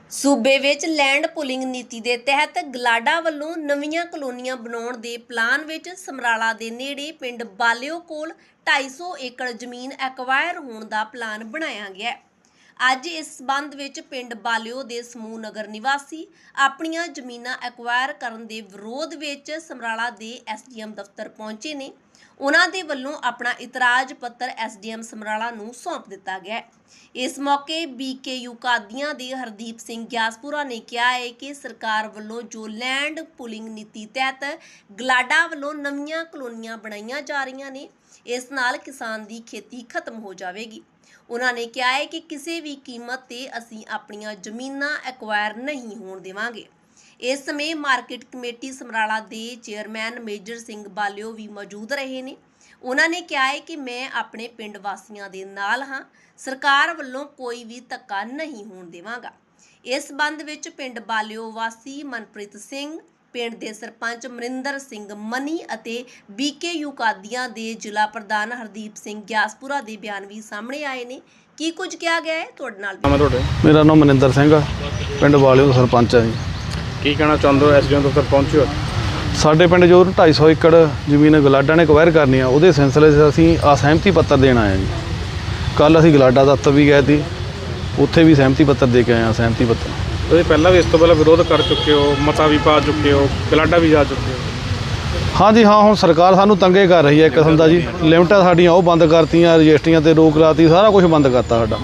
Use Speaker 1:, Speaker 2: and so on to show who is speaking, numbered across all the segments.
Speaker 1: सूबे विच land pulling नीति के तहत गलाडा वालों नवीं कलोनियां बनाउण दे प्लान विच समराला दे नेड़े पिंड बालिओ कोल 250 एकड़ जमीन एक्वायर होने का प्लान बनाया गया है। अज इस संबंध विच पिंड बालिओ दे समूह नगर निवासी अपनियां जमीनां एक्वायर करन दे विरोध विच समराला दे SDM दफ्तर पहुंचे ने। उन्हां दे वल्लों अपना इतराज पत्र SDM समराला नूं सौंप दिता गया है। इस मौके BKU कादियां दे हरदीप सिंह ग्यासपुरा ने कहा है कि सरकार वल्लों जो लैंड पुलिंग नीति तहत गलाडा वल्लों नवीं कलोनियां बनाईयां जा रही ने, इस नाल किसान दी खेती खत्म हो जाएगी। उन्होंने कहा है कि किसी भी कीमत ते असीं अपनियां जमीनां एक्वायर नहीं होण देवांगे। इस समय मार्केट कमेटी समराला दे चेयरमैन मेजर सिंह बालिओ भी मौजूद रहे ने। उन्होंने कहा है कि मैं अपने पिंड वासियों के नाल हाँ, सरकार वालों कोई भी धक्का नहीं होण देवांगा। इस संबंध विच पिंड बालिओ वासी मनप्रीत सिंह, पिंड के सरपंच मरिंदर सिंह मनी अते BKU कादियां दे जिला प्रधान हरदीप सिंह ग्यासपुरा के बयान भी सामने आए ने। की कुछ कहा गया है तुहाडे नाल?
Speaker 2: मेरा नाम मनिंदर सिंह है, पिंड बालिओ सरपंच है जी।
Speaker 3: की कहना चाहते हो? SDM दफ्तर पहुंचे हो?
Speaker 2: साडे पिंड जो 250 एकड़ जमीन गलाडा ने एक्वायर करनी है, वो सिलसिले से असीं असहमति पत्र देना है जी। कल असीं गलाडा दफ्तर भी गए थे, उत्थे भी सहमति पत्र दे के आए हैं। सहमति पत्र
Speaker 3: ਤੁਸੀਂ ਪਹਿਲਾਂ ਵੀ ਇਸ ਤੋਂ ਪਹਿਲਾਂ ਵਿਰੋਧ ਕਰ ਚੁੱਕੇ ਹੋ, ਮਤਾ ਵੀ ਪਾ ਚੁੱਕੇ ਹੋ, ਗਲਾਡਾ ਵੀ ਜਾ ਚੁੱਕੇ ਹੋ।
Speaker 2: हाँ जी हाँ, हुण सरकार सानू तंगे कर रही है एक किस्म का जी। लिमिटां साडियां वो बंद करतियां, रजिस्ट्रियां ते रोक लाती, सारा कुछ बंद करता साडा।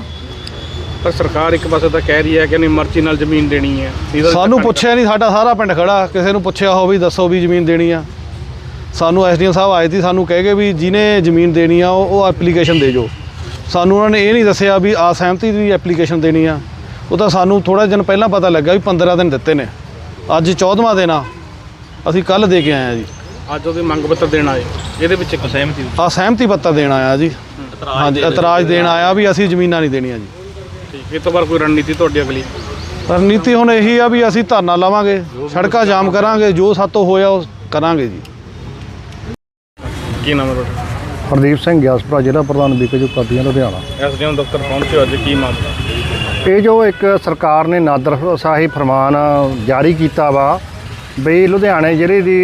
Speaker 3: पर सरकार एक पासे तो कह रही है कि नहीं मर्जी नाल जमीन देनी है।
Speaker 2: सानू पुछया नहीं, साडा सारा पिंड खड़ा, किसी नूं पुछया हो भी दसो भी जमीन देनी आ। सानू SDM साहब आए थे, सानू कह के भी जिन्हें जमीन देनी आ वो एप्लीकेशन दे जो। सानू उन्होंने ये नहीं दसिया भी असहमति की एप्लीकेशन देनी आ। वो तो सानू थोड़ा दिन पहला पता लगा भी 15 दिन दिते ने, अज 14वां दिन आ, असीं कल दे के आए हैं जी।
Speaker 3: अज वो मंग पत्र देना है, ये
Speaker 2: असहमति पत्र देना आया जी। हाँ जी, इतराज देना आया भी असीं जमीनां नहीं देनियां जी।
Speaker 3: ठीक, इस तो बाद कोई रणनीति तुहाडी अगली?
Speaker 2: रणनीति हुण यही आ भी असीं धरना लावांगे, सड़कां जाम करांगे, जो सातों होया वो करांगे जी।
Speaker 3: की नाम है तुहाडा?
Speaker 4: हरदीप सिंह ग्यासपुरा, जिला प्रधान BKU कादियां लुधियाना।
Speaker 3: SDM दफ्तर पहुंचे हो, अज की मामला?
Speaker 4: ये जो एक सरकार ने नादरशाही फरमान जारी किया वा बई लुधियाने जिले की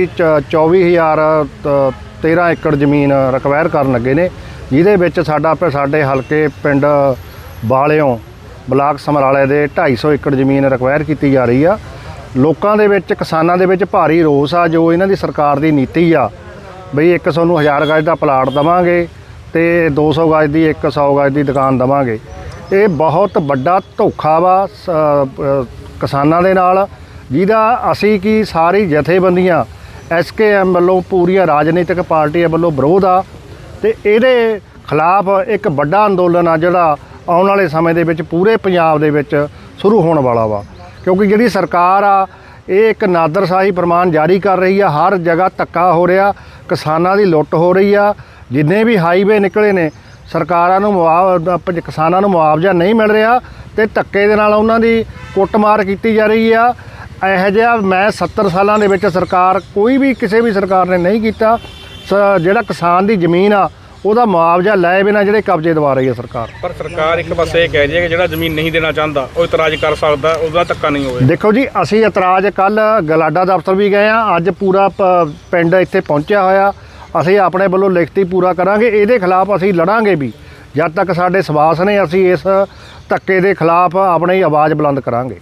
Speaker 4: 24,013 एकड़ जमीन रिक्वायर करन लगे ने, जिहदे विच साडे हलके पिंड बालिओ ब्लाक समराले दे 250 एकड़ जमीन रिक्वायर की जा रही आ। लोकां दे विच, किसानां दे विच भारी रोस आ जो इन्हां दी सरकार दी नीति आ बई एक सोनू 1000 गज का प्लाट देवांगे ते 200 गज की 100 गज की दुकान देवांगे। ये बहुत बड़ा धोखा वा किसानां दे नाल, जिहदा असीं की सारी जथेबंदियां SKM वालों पूरिया राजनीतिक पार्टियां वालों विरोध आ ते इहदे खिलाफ एक बड़ा अंदोलन आ जिहड़ा आउण वाले समय दे विच पूरे पंजाब दे विच शुरू होने वाला वा। क्योंकि जिहड़ी सरकार आ ये एक नादरशाही फरमान जारी कर रही है, हर जगह धक्का हो रहा, किसानां दी लुੱਟ हो रही आ। जिन्ने भी हाईवे निकले ने सरकारां नूं किसानां नूं मुआवजा नहीं मिल रहा ते धक्के दे नाल उन्हां दी कुੱਟਮਾਰ की जा रही आ। ਇਹੋ ਜਿਹਾ मैं 70 सालों ਦੇ ਵਿੱਚ सरकार कोई भी किसी भी सरकार ने नहीं किया। ਜਿਹੜਾ किसान ਦੀ ਜ਼ਮੀਨ ਆ ਉਹਦਾ ਮੁਆਵਜ਼ਾ ਲੈ ਬਿਨਾਂ ਜਿਹੜੇ ਕਬਜ਼ੇ ਦਵਾ ਰਹੀ ਹੈ ਸਰਕਾਰ।
Speaker 3: पर सरकार एक पासे कह रही है कि ਜਿਹੜਾ ਜ਼ਮੀਨ नहीं देना चाहता वो इतराज कर सकता, ਉਹਦਾ ਧੱਕਾ नहीं ਹੋਵੇ।
Speaker 4: देखो जी, ਅਸੀਂ ਇਤਰਾਜ਼ ਕੱਲ ਗਲਾਡਾ ਦਫ਼ਤਰ ਵੀ ਗਏ ਆ, ਅੱਜ ਪੂਰਾ ਪਿੰਡ ਇੱਥੇ ਪਹੁੰਚਿਆ ਹੋਇਆ। ਅਸੀਂ ਆਪਣੇ ਵੱਲੋਂ ਲਿਖਤੀ ਪੂਰਾ ਕਰਾਂਗੇ, ਇਹਦੇ ਖਿਲਾਫ ਅਸੀਂ ਲੜਾਂਗੇ ਵੀ ਜਦ ਤੱਕ ਸਾਡੇ ਸਵਾਸ ਨੇ। ਅਸੀਂ ਇਸ ਧੱਕੇ ਦੇ ਖਿਲਾਫ ਆਪਣੀ ਆਵਾਜ਼ ਬੁਲੰਦ ਕਰਾਂਗੇ।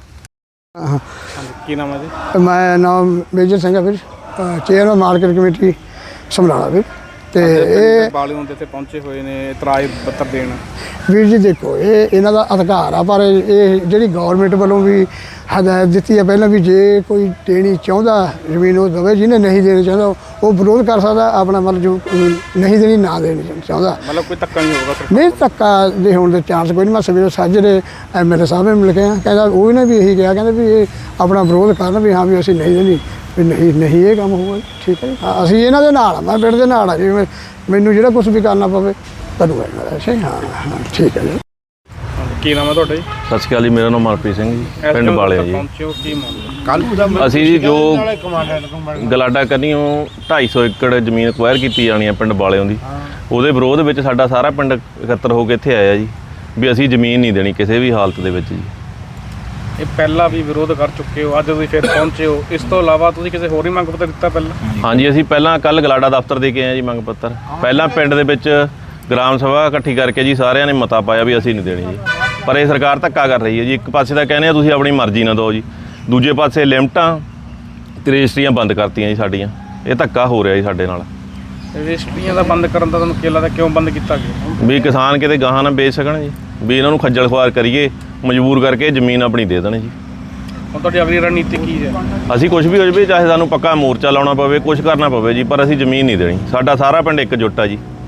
Speaker 3: की नाम है जी?
Speaker 5: मैं नाम मेजर सिंह है, फिर चेयरमैन मार्केट कमेटी समराला फिर ਤੇ ਇਹ
Speaker 3: ਬਾਲਿਓਂ ਦੇ ਇੱਥੇ ਪਹੁੰਚੇ ਹੋਏ ਨੇ ਇਤਰਾਜ਼ ਪੱਤਰ ਦੇਣ।
Speaker 5: ਵੀਰ ਜੀ ਦੇਖੋ, ਇਹ ਇਹਨਾਂ ਦਾ ਅਧਿਕਾਰ ਆ, ਪਰ ਇਹ ਜਿਹੜੀ ਗਵਰਨਮੈਂਟ ਵੱਲੋਂ ਵੀ ਹਦਾਇਤ ਦਿੱਤੀ ਹੈ ਪਹਿਲਾਂ ਵੀ ਜੇ ਕੋਈ ਦੇਣੀ ਚਾਹੁੰਦਾ ਜ਼ਮੀਨ ਉਹ ਦੇਵੇ, ਜਿਹਨੇ ਨਹੀਂ ਦੇਣੀ ਚਾਹੁੰਦਾ ਉਹ ਵਿਰੋਧ ਕਰ ਸਕਦਾ ਆਪਣਾ, ਮਤਲਬ ਜੋ ਨਹੀਂ ਦੇਣੀ ਨਾ ਦੇਣੀ ਚਾਹੁੰਦਾ,
Speaker 3: ਮਤਲਬ ਕੋਈ ਧੱਕਾ ਨਹੀਂ ਹੋਊਗਾ?
Speaker 5: ਨਹੀਂ, ਧੱਕਾ ਦੇ ਹੋਣ ਦੇ ਚਾਂਸ ਕੋਈ ਨਹੀਂ। ਮੈਂ ਸਵੇਰੇ ਸਾਜਰੇ MLA ਸਾਹਿਬ ਨੂੰ ਮਿਲ ਕੇ ਆ, ਕਹਿੰਦਾ ਉਹ ਨੇ ਵੀ ਇਹੀ ਕਿਹਾ, ਕਹਿੰਦੇ ਵੀ ਇਹ ਆਪਣਾ ਵਿਰੋਧ ਕਰਨ ਵੀ ਹਾਂ ਵੀ ਅਸੀਂ ਨਹੀਂ ਦੇਣੀ, ਵੀ ਨਹੀਂ ਇਹ ਕੰਮ ਹੋਊਗਾ। ਠੀਕ ਹੈ ਜੀ, ਅਸੀਂ ਇਹਨਾਂ ਦੇ ਨਾਲ ਆ, ਮੈਂ ਪਿੰਡ ਦੇ ਨਾਲ ਆ ਜੀ। ਮੈਨੂੰ ਜਿਹੜਾ ਕੁਛ ਵੀ ਕਰਨਾ ਪਵੇ ਕਰੂਗਾ ਇਹਨਾਂ ਦਾ। ਅੱਛਾ, ਹਾਂ ਠੀਕ ਹੈ ਜੀ।
Speaker 3: ਕੀ ਨਾਮ ਹੈ ਤੁਹਾਡਾ ਜੀ?
Speaker 6: ਸਤਿ ਸ਼੍ਰੀ ਅਕਾਲ ਜੀ, ਮੇਰਾ ਨਾਮ ਮਨਪ੍ਰੀਤ ਸਿੰਘ ਜੀ, ਪਿੰਡ ਬਾਲਿਓ ਜੀ। ਅਸੀਂ ਜੀ ਜੋ ਗਲਾਡਾ ਕੰਨੀਓ 250 एकड़ ਜ਼ਮੀਨ ਐਕਵਾਇਰ ਕੀਤੀ ਜਾਣੀ ਹੈ ਪਿੰਡ ਬਾਲਿਓ ਦੀ, ਉਹਦੇ ਵਿਰੋਧ ਵਿੱਚ ਸਾਡਾ ਸਾਰਾ ਪਿੰਡ ਇਕੱਤਰ ਹੋ ਕੇ ਇੱਥੇ ਆਇਆ ਜੀ ਵੀ ਅਸੀਂ ਜ਼ਮੀਨ ਨਹੀਂ ਦੇਣੀ ਕਿਸੇ ਵੀ ਹਾਲਤ ਦੇ ਵਿੱਚ ਜੀ।
Speaker 3: ਇਹ ਪਹਿਲਾਂ ਵੀ ਵਿਰੋਧ ਕਰ ਚੁੱਕੇ ਹੋ, ਅੱਜ ਤੁਸੀਂ ਫਿਰ ਪਹੁੰਚੇ ਹੋ। ਇਸ ਤੋਂ ਇਲਾਵਾ ਤੁਸੀਂ ਕਿਸੇ ਹੋਰ ਹੀ ਮੰਗ ਪੱਤਰ ਦਿੱਤਾ ਪਹਿਲਾਂ?
Speaker 6: ਹਾਂਜੀ, ਅਸੀਂ ਪਹਿਲਾਂ ਕੱਲ ਗਲਾਡਾ ਦਫ਼ਤਰ ਦੇ ਕੇ ਆਏ ਜੀ ਮੰਗ ਪੱਤਰ। ਪਹਿਲਾਂ ਪਿੰਡ ਦੇ ਵਿੱਚ ਗ੍ਰਾਮ ਸਭਾ ਇਕੱਠੀ ਕਰਕੇ ਜੀ ਸਾਰਿਆਂ ਨੇ ਮਤਾ ਪਾਇਆ ਵੀ ਅਸੀਂ ਨਹੀਂ ਦੇਣੀ ਜੀ, ਪਰ ਇਹ ਸਰਕਾਰ ਧੱਕਾ ਕਰ ਰਹੀ ਹੈ ਜੀ। ਇੱਕ ਪਾਸੇ ਤਾਂ ਕਹਿੰਦੇ ਆ ਤੁਸੀਂ ਆਪਣੀ ਮਰਜ਼ੀ ਨਾਲ ਦਿਓ ਜੀ, ਦੂਜੇ ਪਾਸੇ ਲਿਮਟਾਂ ਤੇ ਰਜਿਸਟਰੀਆਂ ਬੰਦ ਕਰਤੀਆਂ ਜੀ ਸਾਡੀਆਂ। ਇਹ ਧੱਕਾ ਹੋ ਰਿਹਾ ਜੀ ਸਾਡੇ ਨਾਲ।
Speaker 3: ਰਜਿਸਟਰੀਆਂ ਦਾ ਬੰਦ ਕਰਨ ਦਾ ਤੁਹਾਨੂੰ ਕੀ ਲੱਗਦਾ, ਕਿਉਂ ਬੰਦ ਕੀਤਾ ਗਿਆ?
Speaker 6: ਵੀ ਕਿਸਾਨ ਕਿਤੇ ਗਾਹਾਂ ਨਾ ਵੇਚ ਸਕਣ ਜੀ, ਵੀ ਇਹਨਾਂ ਨੂੰ ਖੱਜਲ ਖੁਆਰ ਕਰੀਏ, ਮਜਬੂਰ ਕਰਕੇ ਜ਼ਮੀਨ ਆਪਣੀ ਦੇ ਦੇਣ ਜੀ।
Speaker 3: ਹੁਣ ਤੁਹਾਡੀ ਅਗਲੀ ਰਣਨੀਤੀ ਕੀ ਹੈ?
Speaker 6: ਅਸੀਂ ਕੁਝ ਵੀ ਹੋ ਜਾਵੇ, ਚਾਹੇ ਸਾਨੂੰ ਪੱਕਾ ਮੋਰਚਾ ਲਾਉਣਾ ਪਵੇ, ਕੁਝ ਕਰਨਾ ਪਵੇ ਜੀ, ਪਰ ਅਸੀਂ ਜ਼ਮੀਨ ਨਹੀਂ ਦੇਣੀ। ਸਾਡਾ ਸਾਰਾ ਪਿੰਡ ਇਕਜੁੱਟ ਆ ਜੀ।